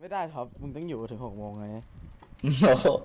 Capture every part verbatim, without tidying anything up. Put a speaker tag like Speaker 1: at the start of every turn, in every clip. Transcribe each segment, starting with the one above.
Speaker 1: ไม่ได้ครับมึงต้องอยู่ถึงหกโมงไง
Speaker 2: โอ้โห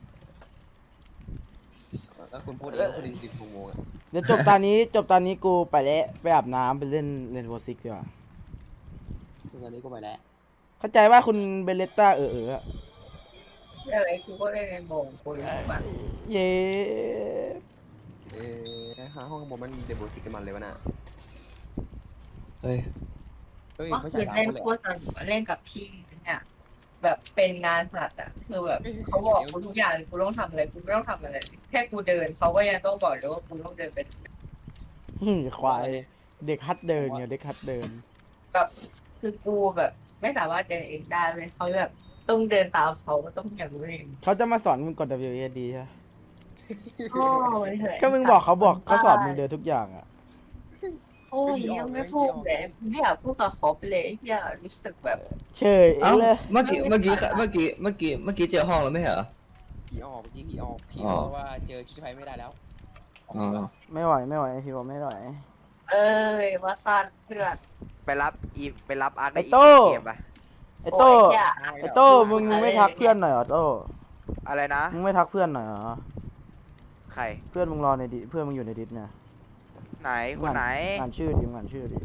Speaker 3: แล้วคุณพูดเองว่าคุณดินสิบโมงอะ
Speaker 1: เดี๋ยวจบตอนนี้จบตอนนี้กูไปแล้วไปอาบน้ำไปเล่นเล่นโวซิกดีกว่า
Speaker 3: ตอนนี้ก็ไปแล้ว
Speaker 1: เข้าใจว่าคุณเบเลต้าเออเอออะ
Speaker 4: อะไรกูก็เล่นในโมงกูรู้ป่ะ
Speaker 1: เย้
Speaker 3: เอ๊ะห้าห้องบนมันเดบิวต์ติกันมันเลยวะน่ะ
Speaker 2: เฮ้ย
Speaker 3: เฮ้ย
Speaker 4: เมื่อ
Speaker 3: ไม่
Speaker 4: คื
Speaker 3: ใช่
Speaker 4: น
Speaker 3: สาม
Speaker 4: เล่น
Speaker 3: คนเลย
Speaker 4: โคตรสนุกเล่นกับพี่เนี่ยแบบเป็นงานสัตว์อ่ะคือแบบเขาบอกกูทุกอย่างเลยกูต้องทำอะไรกูไม่ต้องทำอะไรแค่กูเดินเขาก็ยังต้องบอกเลยว่ากูต้องเดินไป
Speaker 1: หึ่มควายเด็กฮัดเดินเนี่ยเด็กฮัดเดิน
Speaker 4: แบบคือกูแบบ ไม่สามารถเดินเองได้เลยเขาแบบต้องเดินตามเขาต้องอย่างรู้เอง
Speaker 1: เขาจะมาสอนมึงกด ดับเบิลยู เอ ดี ใช่ไหม
Speaker 4: โอ้ยเถอะ
Speaker 1: ก็มึงบอกเขาบอกเขาสอนมึงเดินทุกอย่างอ่ะ
Speaker 4: โอ้ยยังไม่พูดเลยไม่อยากพูดกับเขาไปเลยอยากรู้สึกแบบ
Speaker 1: เฉย
Speaker 2: เอ้า
Speaker 1: เลย
Speaker 2: เมื่อกี้เมื่อกี้เมื่อกี้เมื่อกี้เมื่อกี้เจอห้องแล้วไม่เหรอ
Speaker 3: ผีออกเมื่อกี้ผีออกผี
Speaker 2: อ๋อ
Speaker 3: บอกว่าเจอชุดไฟไม่ได้แล้ว
Speaker 2: อ๋อ
Speaker 1: ไม่ไหวไม่ไหวพี่บอกไม่ไหว
Speaker 4: เอ้ยว่าสั้นเพื่อน
Speaker 5: ไปรับอีไปรับอาร์ตใน
Speaker 1: ไอ้
Speaker 5: อีก
Speaker 1: โต้
Speaker 5: เกมปะ
Speaker 1: ไอ้โต้
Speaker 4: โอ้ยอย่า
Speaker 1: ไอ้โต้มึงไม่ทักเพื่อนหน่อยเหรอโต้
Speaker 5: อะไรนะ
Speaker 1: มึงไม่ทักเพื่อนหน่อยเหรอ
Speaker 5: ใคร
Speaker 1: เพื่อนมึงรอในดิเพื่อนมึงอยู่ในดิสเนี่ย
Speaker 5: ไหนคนไหน
Speaker 1: อ่านชื่อดิมึงอ่านชื่อดิ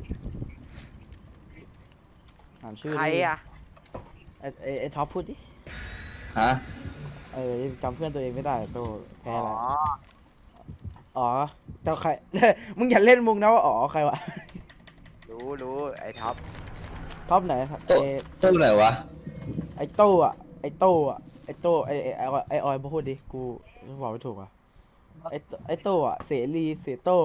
Speaker 1: อ่านชื่อดิ
Speaker 5: ใครอ่ะ
Speaker 1: ไอ้ไอ้ไอ้ท็อปพูดดิ
Speaker 2: ฮะ
Speaker 1: เออจำเพื่อนตัวเองไม่ได้โต้แพ้
Speaker 5: อ๋อ
Speaker 1: แล้วอ๋อแต่ใคร มึงอย่าเล่นมุกนะว่าอ๋อใครวะ
Speaker 5: รู้รู้ไอ้ท็อป
Speaker 1: ท็อปไหนไอ้
Speaker 2: ตู้ไหนวะ
Speaker 1: ไอ้โต้อะไอ้โต้อะไอ้โต้ไอ้ไอ้ไอ้ไอ้ออยพูดดิกูบอกไม่ถูกอ่ะไอ้โต้ไอ้โต้อะเสรีเสโต้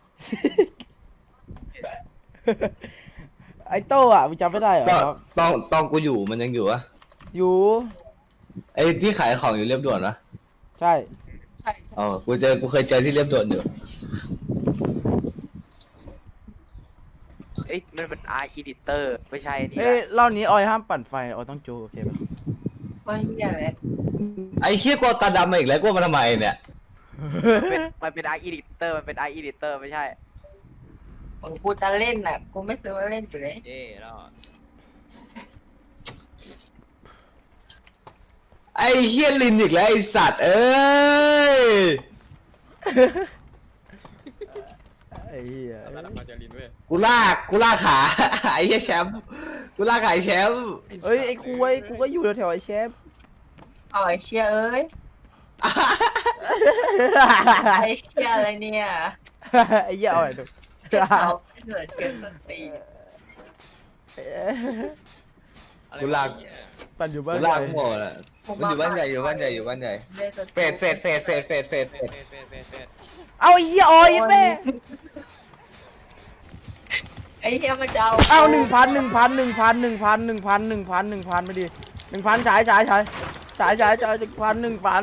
Speaker 1: ไอ้โต้อะมึงจำไม่ได้เหรอ
Speaker 2: ตอน
Speaker 1: ครับ
Speaker 2: ตอนตอนกูอยู่มันยังอยู่วะ
Speaker 1: อยู่
Speaker 2: ไอ้ที่ขายของอยู่เรียบด่วนวะ
Speaker 1: ใช่
Speaker 4: ใช่ใช่
Speaker 2: อ๋อกูเจอกูเคยเจอที่เรียบด่วนอยู่
Speaker 5: เอ้ยมันเป็นอาร์อีดิเตอร์ไม่ใช่นี่
Speaker 1: เอ้ย
Speaker 5: ละ
Speaker 1: รอบนี้ออยห้ามปั่นไฟออยต้องจูโอเคปะ
Speaker 4: ก็เฮียเลย
Speaker 2: ไอ้เคี้ยกวตาดำมาอีกแล้วกูมาทำไมเนี่ย
Speaker 5: มันเป็นมันเป็นอาร์อีดิเตอร์มันเป็นอาร์อีดิเตอร์ไม่ใช่
Speaker 4: มึงกูจะเล่นน่ะกูไม่ซื้อมาเล่นอยู่เลย
Speaker 3: เอ๊ะแล้ว
Speaker 2: ไอ้เฮี้ยลินอีกแล้วไอ้สัตว์เอ้ย
Speaker 1: ไอ้เหี้ย
Speaker 3: แล้วเราจะลินเว้ย
Speaker 2: กูลากกูลากขา ไอ้เฮี้ยแชมป์กูลากขาไอ้แชมป์
Speaker 1: เอ้ยไอ้คุยกูก็อยู่แถวๆไอ้เชฟ
Speaker 4: อ๋อไอเชียเอ้ยไอเชียอะไรเนี่ย
Speaker 1: ไอ้เหี้ยเอาไอ้ดู
Speaker 4: เขาเกิดเกินสติ
Speaker 3: อะไร
Speaker 2: กูลาก
Speaker 3: เนี่ย
Speaker 1: ปั่นอยู่บ้าน
Speaker 2: กูลากหมดอ่ะมันอยู่บ้านใหญ่อยู่บ้านใหญ่อยู่บ้านใหญ่เฟดเฟดเฟดเฟดเฟดเฟด
Speaker 3: เฟ
Speaker 2: เฟ
Speaker 3: ด
Speaker 2: ด
Speaker 3: เฟดเฟดเฟดเฟด
Speaker 1: เอาไอ้เหี้ยออยแม่
Speaker 4: ไอเชียมันจะเอา
Speaker 1: เอาหนึ่งพันหนึ่งพันหนึ่งพันหนึ่งพันหนึ่งพันหนึ่งพันหนึ่งพันไม่ดีหนึ่งพันฉายฉายฉายฉายฉายฉายหนึ่งพันหนึ่งพัน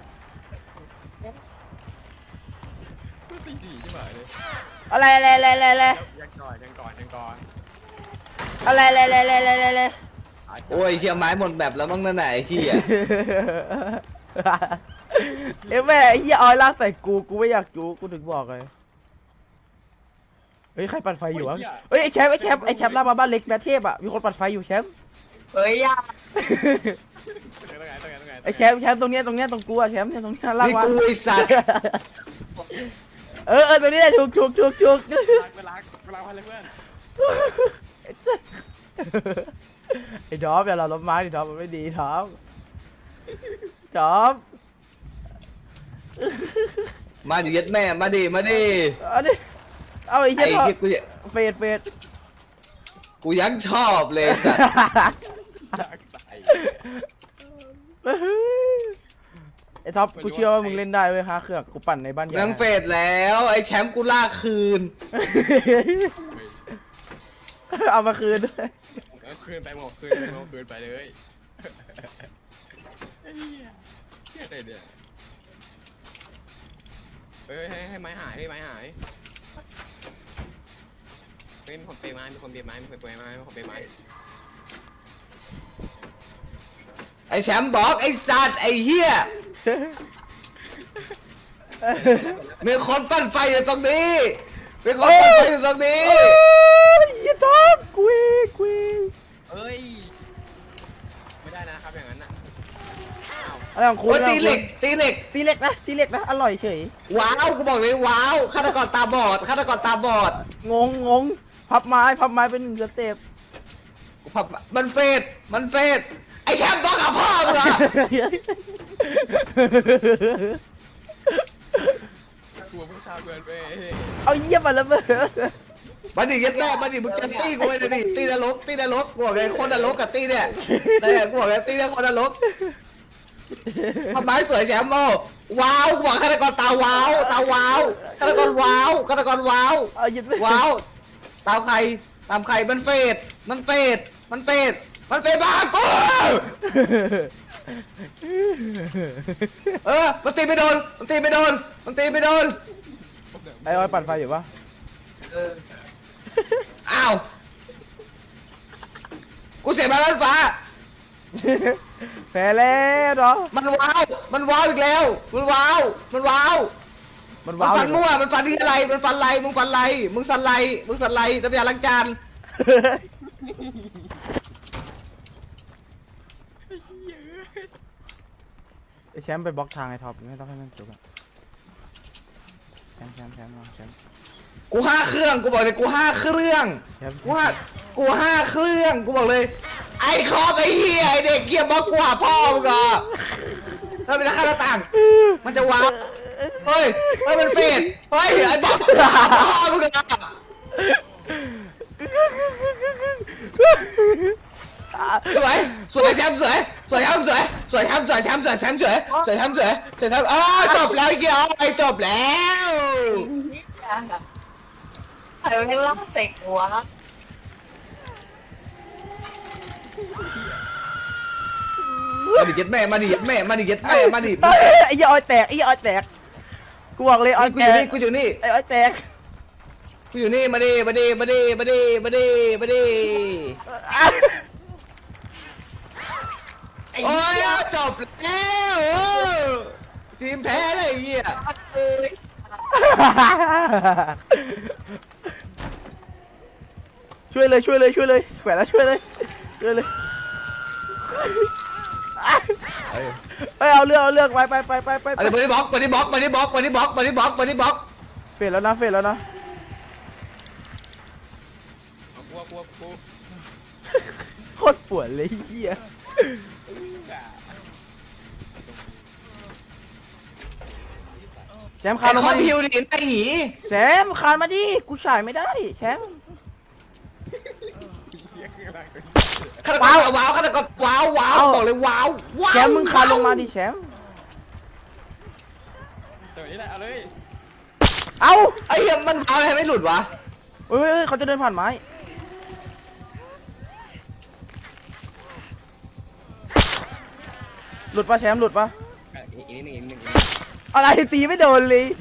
Speaker 3: ตีดีใช่ไหมเลย
Speaker 1: อะไรอะไรอะไรอะไรอะไร
Speaker 3: ยังก่อนยังก่อนยังก่อน
Speaker 1: อะไรอะไรอะไรอะไรอะไรอะไร
Speaker 2: โอ้ยเฮี้ยไม้หมดแบบแล้วมั้งนั่นไหนะไอ้ขี้อ่ะ
Speaker 1: เอ้ยแม่ไอ้เหี้ยออยลากใส่กูกูไม่อยากจูกูถึงบอกเลยเฮ้ยใครปั่นไฟอยู่วะเฮ้ยไอ้แชมป์ไอ้แชมป์ไอ้แชมป์ลากมาบ้านเล็กแมทเทพอ่ะมีคนปั่นไฟอยู่แชมป์
Speaker 4: เฮ้ยอย่า
Speaker 3: ตรงไหนตรงไหนตรงไหน
Speaker 1: ไอ้แชมป์แชมป์ตรงเนี้ยตรงเนี้ยตรงกูอะแชมป์เนี่ยตรงเนี้ยลาก
Speaker 2: นี่
Speaker 1: มา
Speaker 2: กูไอ้สัตว์
Speaker 1: เออเออตรงนี้แหละถูกถูกถูกถูก
Speaker 3: ล้างไปล้างไปล้างพันเลยเพื่อน
Speaker 1: ไอ้ดอฟอย่าเราล้มไม้ดิดอฟมันไม่ดีดอฟดอฟ
Speaker 2: มาดิยัดแม่มาดิมาดิ
Speaker 1: เอาดิเอาไอ้
Speaker 2: ไอ้
Speaker 1: เหี้ย
Speaker 2: ที่กู
Speaker 1: เฟดเฟด
Speaker 2: กูยังชอบเลยสัตว์
Speaker 3: อยากตาย
Speaker 1: ไอ้ท็อปกูเชื่อว่ามึงเล่นได้เว้ยฮะเครื่องกูปั่นในบ้านใหญ่
Speaker 2: แม่งเฟดแล้วไอ้แชมป์กูลากคืน
Speaker 1: เอามาคืนด้วย
Speaker 3: เอาคืนไปหมดคืนไปหมดคืนไปเลยไอ้เหี้ยเหี้ยอะไรเนี่ยเฮ้ยให้ให้ไม้หายให้ไม้หายเฮ้ยมีคนเปย์ไม้มีคนเปย์ไม้มีคนเปย์ไม้มีคนเปย์ไม้
Speaker 2: ไอ้แชมป์บอกไอ้สัตว์ไอ้เหี้ยมีคนปั้นไฟอยู่ตรงนี้มีคนปั้นไฟอยู่ตรงนี้
Speaker 1: โอ้ยไอ้ท็อปกุยกุย
Speaker 3: เอ้ยนะครับอย่างนั้นน่ะ
Speaker 1: อะไรของคุณ
Speaker 2: โอ้ยตีเหล็กตีเหล็ก
Speaker 1: ตีเหล็กนะตีเหล็กนะอร่อยเฉย
Speaker 2: ว้าวกูบอกเลยว้าวฆาตกรตาบอดฆาตกรตาบอด
Speaker 1: งงงงพับไม้พับไม้เป็นหนึ่งสเต็ป
Speaker 2: ผับมันเฟดมันเฟดไอ้แชมป์ต้องกับพ่อมึงเหรอ
Speaker 3: กลัวผู้ชายเกินไป
Speaker 1: เอาเยี่ยมมาแล้วเบ้อ
Speaker 2: มาดิยัดแม่มาดิมึงจะตีกูไปดิตีนรกตีนรกกูบอกเลยคนนรกกับตีเนี่ยแต่กูบอกเลยตีเนี่ยคนนรกทำไมสวยแชมป์โอ้ว้าวกูบอกฆาตกรตาว้าวตาว้าวฆาตกรว้าวฆาตกรว้าว
Speaker 1: เอาเยี่ยม
Speaker 2: ว้าวตามใครตามใครมันเฟดมันเฟดมันเฟดมันเฟดบ้ากูเออมันตีไม่โดนมันตีไม่โดนมันตีไม่โดน
Speaker 1: ไอ้ออยปั่นไฟอยู่ปะ
Speaker 4: เออ
Speaker 2: อ้าวกูเสียมาแล้วฟ้า
Speaker 1: แพ้แล้วเนาะ
Speaker 2: มันว้าวมันว้าวอีกแล้วมันว้าวมันว้าว
Speaker 1: มัน
Speaker 2: มัน
Speaker 1: ว้าว
Speaker 2: ฟันมั่วมันฟันที่อะไรมันฟันไรมึงฟันไรมึงสันไรมึงสันไรน้ำยาล้างจาน
Speaker 1: ไอ้แชมป์ไปบล็อกทางไอ้ท็อปไม่ต้องให้มันจุกอะแชมป์แชมป์แชมป์มาแชมป์
Speaker 2: กูห้าเครื่องกูบอกเลยกูห้าเครื่อง
Speaker 1: แชมป์
Speaker 2: กูห้ากูห้าเครื่องกูบอกเลย ไอ้คอกไอ้เหี้ยไอ้เด็กเกียร์บล็อกกูหาพ่อมึงเหรอถ้าเป็นราคาหน้าต่าง มันจะว้าวเฮ้ยเฮ้ยมันเฟดเฮ้ยไอ้บล็อกกูหาพ่อมึงเหรอสวยสวยแชมป์สวยสวยแชมป์สวยสวยแชมป์สวยแชมป์สวยแชมป์สวยสวยแชมป์สวยสวยแชมป์อ้าวจบแล้วไอ้เกียร์ไอ้จบแล้ว
Speaker 4: ใครไม่ล่าเตะหัว
Speaker 2: มาดิเย็ดแม่มาดิเย็ดแม่มาดิเย็ดแม่มาดิ
Speaker 1: เอ้ยไอ้เหี้ยออยแตกไอ้เหี้ยออยแตกกูบอกเลยออย
Speaker 2: กู
Speaker 1: แต
Speaker 2: อยู่
Speaker 1: ก
Speaker 2: นี่กูอยู่นี่
Speaker 1: ไอ้ออยแตก
Speaker 2: กูอยู่นี่มาดิมาดิมาดิมาดิมาดิมาดิ
Speaker 4: ไอ้
Speaker 2: โอ้
Speaker 4: เหี้
Speaker 2: ย
Speaker 4: ย
Speaker 2: จบแล้วโอ้ทีมแพ้เลยไอ้เหี้ย
Speaker 4: เอ้ย
Speaker 1: ช่วยเลยช่วยเลยช่วยเลยแขวนแล้วช่วยเลยช่วยเลยเอ้ยเอาเลือกเอาเลือกไปไปไปไปไป
Speaker 2: อะไรมาดิบล็อกมาดิบล็อกมาดิบล็อกมาดิบล็อกมาดิบล็อกมาดิบล็อก
Speaker 1: เฟดแล้วนะเฟดแล้วนะ
Speaker 3: กลัวกลัวกลัว
Speaker 1: โคตรปวดเลยเฮียแชมป์คา
Speaker 2: ไอ้
Speaker 1: นลง
Speaker 2: คอ
Speaker 1: มาม ดิ
Speaker 2: พิวดิไอ้หนี
Speaker 1: แชมป์คานมาดิกูฉายไม่ได้แชมป์
Speaker 2: ฆาตกรว้าวฆาตกรว้าวว้าวบอกเลยว้าวว้าว
Speaker 1: แชมป์มึงคานลงมาดิแชมป์
Speaker 3: ตัวนี้แหละเอาเลย
Speaker 1: เอ้า
Speaker 2: ไอ้เหี้ยมันว้าวอะไรไม่หลุดวะ
Speaker 1: เฮ้ยเฮ้ยเฮ้ยเขาจะเดินผ่านไม้หลุดปะแชมป์หลุดปะ
Speaker 3: อีกนิดนึงอีกนิดนึง
Speaker 1: อะไรตีไม่โดนเลย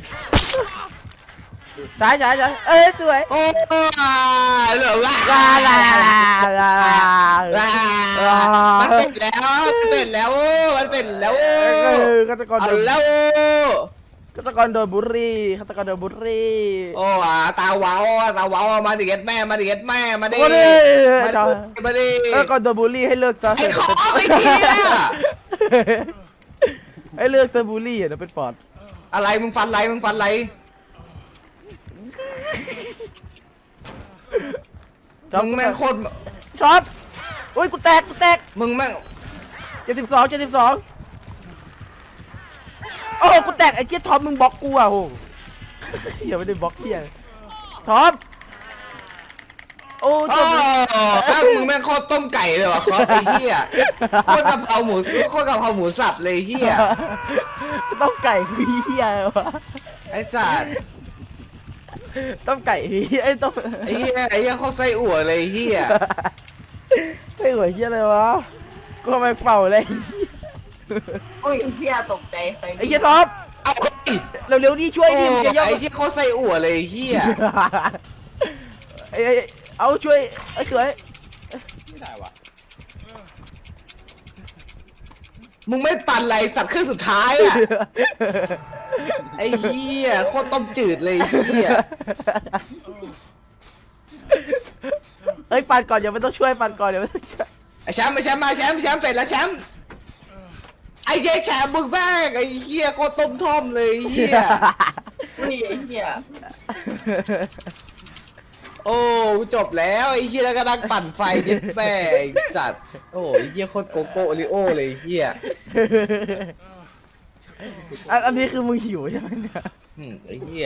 Speaker 1: ใช่ใช่ใช่เอ้ยสวย
Speaker 2: โอ้ยเหลือว่า
Speaker 1: ลาลาลาลาลา
Speaker 2: มันเป็นแล้วมันเป็นแล้วมันเป็นแล้ว
Speaker 1: เออฆาตกร
Speaker 2: เอา
Speaker 1: โดน
Speaker 2: แล้ว
Speaker 1: ฆาตกรโดนบุรีฆาตกรโดนบุรี
Speaker 2: โอ้อ่ะตาว้าวตาว้าวมาดิเก็ตแม่มาดิเก็ตแม่มาดิ
Speaker 1: มาดิ
Speaker 2: มาดิมาดิ
Speaker 1: ฆาตกรโดนบุรีให้เลิกซะ
Speaker 2: ไอ้ของไอ้เหี้ย
Speaker 1: ให้เลิกซะบุรีอ่ะเดี๋ยวเป็นปอด
Speaker 2: อะไรมึงฟันไรมึงฟันไร มึงแม่งโคตร
Speaker 1: ช็อตอุ้ยกูแตกกูแตก
Speaker 2: มึงแม่ง
Speaker 1: เจ็ดสิบสองเจ็ดสิบสองโอ้โหกูแตกไอ้เจี๊ยท็อปมึงบล็อกกูอ่ะโหอย่าไม่ได้บล็อกเหี้ยท็อปโอ้
Speaker 2: โอ้
Speaker 1: จบเลย
Speaker 2: แม่งมึงแม่งโคตรต้มไก่เลยวะครับไอ้เหี้ยโคตรกะเพราหมูโคตรกะเพราหมูสับเลยเหี้ย
Speaker 1: ต้องไก่คือเหี้ยวะ
Speaker 2: ไอ้สัตว์
Speaker 1: ต้องไก่คือไอ้ต้อง
Speaker 2: ไอ้เหี้ยไอ้เหี้ยโคตรไส้อั่วเลยไอ้เหี้ย
Speaker 1: ไอ้หัวเหี้ยอะไรวะกูทำไมเฝ้าเลย
Speaker 4: โอ้ยเหี้ยตกใจใคร
Speaker 1: ไอ้เหี้ยท็อป
Speaker 2: เอาเฮ้ย
Speaker 1: เร็วๆดิช่วย
Speaker 2: โอ้
Speaker 1: ดิมึงจะย่อ
Speaker 2: ไอ้เหี้ยโคตรไส้อั่วเลยไอ้เหี้ย
Speaker 1: ไอ้ไอ้เอาช่วยไอ้สวย
Speaker 3: ไม่ได้ว่ะ
Speaker 2: มึงไม่ปั่นไรสัตว์เครื่องสุดท้ายอ่ะไอ้เหี้ยโคตรต้มจืดเลยไอ้เหี้ย
Speaker 1: เฮ้ยปันก่อนอย่าไม่ต้องช่วยปันก่อนอย่าไม่ต้องช่วย
Speaker 2: ไอ้ไอ้แชมป์ไอ้แชมป์มาแชมป์แชมป์เป็ดแล้วแชมป์ไอ้เหี้ยแชมป์มึงแม่งไอ้เหี้ยโคตรต้มท่อมเลยไอ้เหี้ย
Speaker 4: อุ้ยไอ้เหี้ย
Speaker 2: โอ้จบแล้วไอ้เหี้ยแล้วก็นั่งปั่นไฟเย็ดแม่ไอ้สัตว์โอ้ไอ้เหี้ยโคตรโกโก้โอริโอเลยไอ้เหี้ย
Speaker 1: อันอันนี้คือมึงหิวใช่ไหมเนี่ย
Speaker 2: อืมไอ้เหี้ย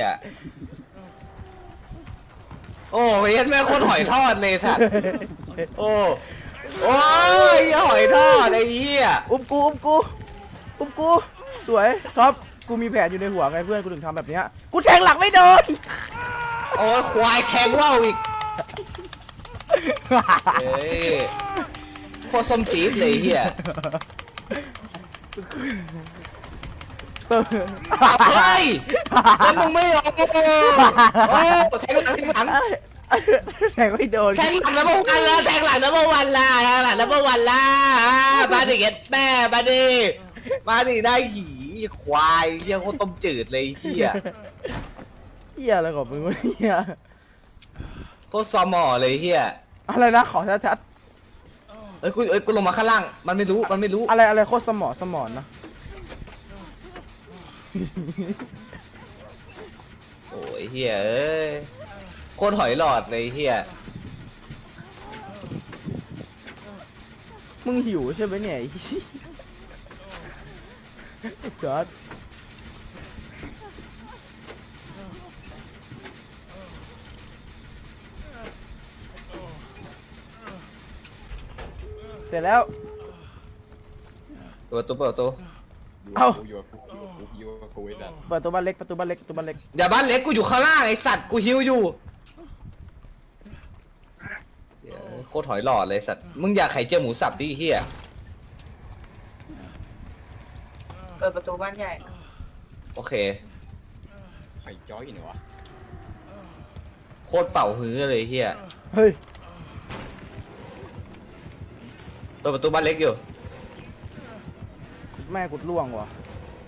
Speaker 2: โอ้เย็ดแม่โคตรหอยทอดเลยสัตว์โอ้โอ้ยเหี้ยหอยทอดไอ้เหี้ย
Speaker 1: อุ้มกูอุ้มกูอุ้มกูสวยท็อปกูมีแผนอยู่ในหัวไงเพื่อนกูถึงทำแบบเนี้ยกูแทงหลังไม่โดน
Speaker 2: โอ้ยควายแทงว่าวอีกเอ้ยโคตรส้มจี๊ดเลยไอ้เหี้ยเฮ้ยแล้วมึงไม่ยอมโอ้โอ้แทงหลังแทงหลัง
Speaker 1: แทงไม่โดน
Speaker 2: แทงหลังแล้วเมื่อวันละแทงหลังแล้วเมื่อวันละแทงหลังแล้วเมื่อวันละอ่ามาดิเก็ตแม่มาดิมาดิได้หีควายเหี้ยโคตรต้มจืดเลยไอ้เหี้ย
Speaker 1: เฮียอะไรของมึงวะเนี่ย
Speaker 2: โคตรซอมอเลยไอ้เหี้ย
Speaker 1: อะไรนะขอชัด
Speaker 2: เอ้ยกูเอ้ยกูลงมาข้างล่างมันไม่รู้มันไม่รู้
Speaker 1: ๆอะไรอะไรโคตรสมอสมอนนะ
Speaker 2: โอ้ยเหี้ยเอ้ยโคตรหอยหลอดเลยไอ้เหี้ย
Speaker 1: มึงหิวใช่ไหมเนี่ยไอ้เหี้ยไอ้จอดเสร็จแล้ว
Speaker 2: เปิดประตูเปิดประตู
Speaker 1: เอ้า
Speaker 3: อยู่กับกูอยู่กับกูไอ้ดัน
Speaker 1: เปิดตัวบ้านเล็กประตูบ้านเล็กประตูบ้านเล็ก
Speaker 2: อย่าบ้านเล็กกูอยู่ข้างล่างไอสัตว์กูหิวอยู่เหี้ยโคตรหอยหลอดเลยสัตว์มึงอยากไข่เจียวหมูสับดิไอ้เหี้ย
Speaker 4: เปิดประตูบ้านใหญ่
Speaker 2: โอเค
Speaker 3: ไข่จ้อยเหรอวะ
Speaker 2: โคตรเป่าฮื้อเลยไอ้เหี้ย
Speaker 1: เฮ้ย
Speaker 2: เปิดประตูบ้านเล็กอยู่
Speaker 1: แม่กุดล่วงว่ะ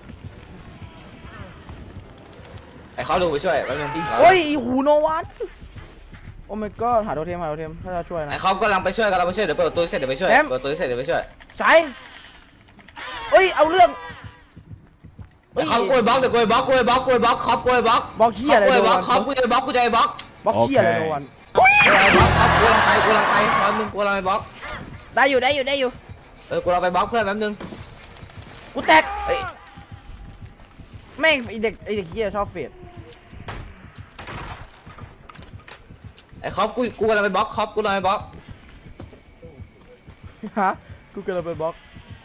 Speaker 2: ไอ้เขาลงไปช่วยแป๊บนึง
Speaker 1: โอ้ยอีหูโนวันโอ้ my god หาโทเทมหาโทเทมถ้าจะช่วยนะ
Speaker 2: ไอ้เขากำลังไปช่วยกำลังไปช่วยเดี๋ยวเปิดประตูเสร็จเดี๋ยวไปช่วย
Speaker 1: แชมป์
Speaker 2: เปิดประตูเสร็จเดี๋ยวไปช่วย
Speaker 1: ใช้เอ้ยเอาเรื่อง
Speaker 2: ไอ้เขากล้วยบล็อกเดี๋ยวกล้วยบล็อกกล้วยบล็อกกล้วยบล็อกครอบกล้วยบล็อก
Speaker 1: บล็อกเหี้ยอะไร
Speaker 2: กล้วยบล็อก
Speaker 1: โดน
Speaker 2: ครอบกล้วยบล็อกกูจะไอ้บล็อก
Speaker 1: บล็อกเชี่ยอะไรโนวัน
Speaker 2: กล้วยบล็อกครอบกูกำลังไปกูกำลังไปแป๊บนึงกูกำลังไปบล็อก
Speaker 1: ได้อยู่ได้อยู่ได้อยู่
Speaker 2: เออกูเราไปบล็อกเพื่อนแป๊บนึง
Speaker 1: กูแตก
Speaker 2: เอ้ย
Speaker 1: แม่งไอเด็กไอเด็กเหี้ยชอบเฟด
Speaker 2: ไอ้ครอบกูกูกำลังไปบล็อกครอบกูกำลังไปบล็อก
Speaker 1: ฮะกูกำลังไปบล็อก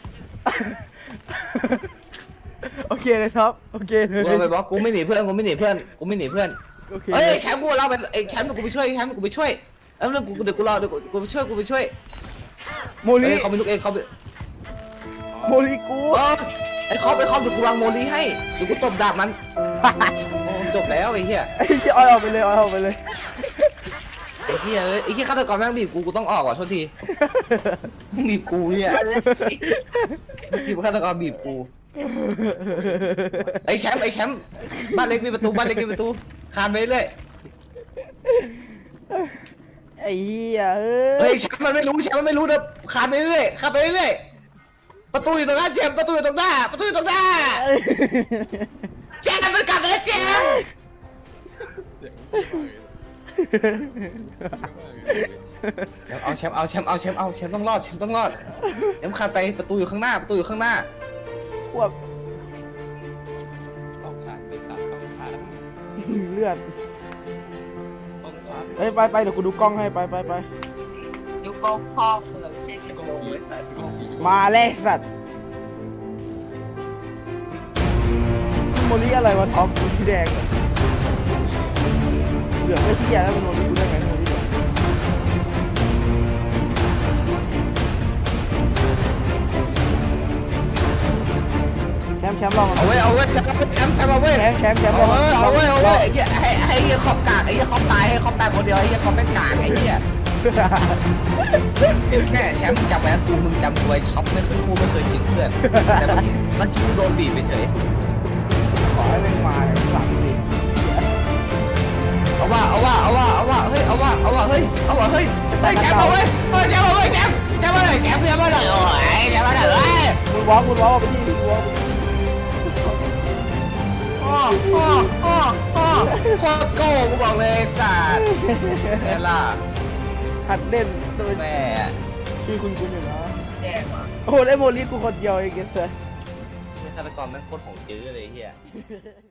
Speaker 1: โอเคเลยครับโอเคเล
Speaker 2: กู
Speaker 1: ย
Speaker 2: กำลังไปบล็อกกูไม่หนีเพื่อนกูไม่หนีเพื่อนกูไม่หนีเพื่อน
Speaker 1: โอเค
Speaker 2: เอ้ยแชมป์กูเราไปไอ้แชมป์กูไปช่วยแชมป์กูไปช่วยแล้วเรื่องกูเดี๋ยวกูรอเดี๋ยวกูกูไปช่วยกูไปช่วย
Speaker 1: โม
Speaker 2: เอ้
Speaker 1: ลี
Speaker 2: ยเขาเป็นลูกเองเขาเป็น
Speaker 1: โมลีกู
Speaker 2: เออไอ้ครอบไอ้ครอบเดี๋ยวกูวางโมลีให้เดี๋ยวกูตบดาบมันโอ้จบแล้วไอ้เหี้ย
Speaker 1: ไอ้เหี้ยออยออกไปเลยออยออกไปเลย
Speaker 2: ไอ้เหี้ยเอ้ยไอ้เหี้ยฆาตกรแม่งบีบกูกูต้องออกว่ะโทษทีบีบกูเนี่ยบีบฆาตกรบีบกูไอ้แชมป์ไอ้แชมป์บ้านเล็กมีประตูบ้านเล็กมีประตูคานไปเรื่อย
Speaker 1: ไอ้เหี้ยเอ้
Speaker 2: เฮ้
Speaker 1: ย
Speaker 2: ยแชมป์มันไม่รู้แชมป์มันไม่รู้เด้อคานไปเรื่อยคานไปเรื่อยประตูอยู่ตรงหน้าแชมป์ประตูอยู่ตรงหน้าประตูอยู่ตรงหน้าแชมป์มันกลับมาแล้วแชมป์เอาแชมป์เอาแชมป์เอาแชมป์เอาแชมป์ต้องรอดแชมป์ต้องรอดแชมป์คานไปประตูอยู่ข้างหน้าประตูอยู่ข้างหน้า
Speaker 1: พวก
Speaker 3: ต้องผ่านไปตามต้องผ่าน
Speaker 1: เลือด
Speaker 3: ต้องผ่าน
Speaker 1: เฮ้ยไปไปเดี๋ยวกูดูกล้องให้ไปไปไป
Speaker 4: ยุคก็ครอบเมืองไม่ใช่กิโลไอ้สัตว์
Speaker 1: มาเลยสัตว์โมลีอะไรวะท็อปสีแดงเหรอเหลืองไม่เหี้ยแล้วมันโมลีกูได้ไงโมลีเหลืองแชมป์แชมป์ลอง
Speaker 2: เอาไว้เอาไว้แชมป์แชมป์แชมป์เอาไว้
Speaker 1: แชมป์แชมป์แชมป์
Speaker 2: เอาไว้เอาไว้เอาไว้
Speaker 1: ลง
Speaker 2: ไอ้เหี้ยให้ให้ไอ้เหี้ยขอบกากไอ้เหี้ยขอบตายให้ขอบตายคนเดียวไอ้เหี้ยขอบเป็นกากไอ้เหี้ยแม่แชมป์จำไว้นะกูมึงจำกูไว้ช็อปไม่เคยกูไม่เคยทิ้งเพื่อนแต่เมื่อกี้เมื่อกี้กูโดนบีบไปเฉย
Speaker 1: ขอให้แม่งมาเลยสามสิบ
Speaker 2: เอาว่าเอาว่าเอาว่าเอาว่าเฮ้ยเอาว่าเอาว่าเฮ้ยเอาว่าเฮ้ยเฮ้ยแชมป์เอาไว้เฮ้ยแชมป์เอาไว้แชมป์แแชมป์มาหน่อยแชมป์แชมป์มาหน่อยโอ้ยแชมป์มาหน่อยเฮ้ย
Speaker 1: มึงวอล์กมึงวอล์กไปที่มึงวอล์กไปที่
Speaker 2: โอ้โอ้โอ้โอ้โคตรโก้กูบอกเลยสัตว์เนล่า
Speaker 1: หัดเล่นโดย
Speaker 2: แม่
Speaker 1: ชื่อคุณคุณอยู่นะ
Speaker 4: แย่ว่ะ
Speaker 1: โอ้โหได้โมลี่กูคนเดียวเองเกสเซอร์
Speaker 2: ฆาตกรแม่งโคตรของจื้อเลยเฮีย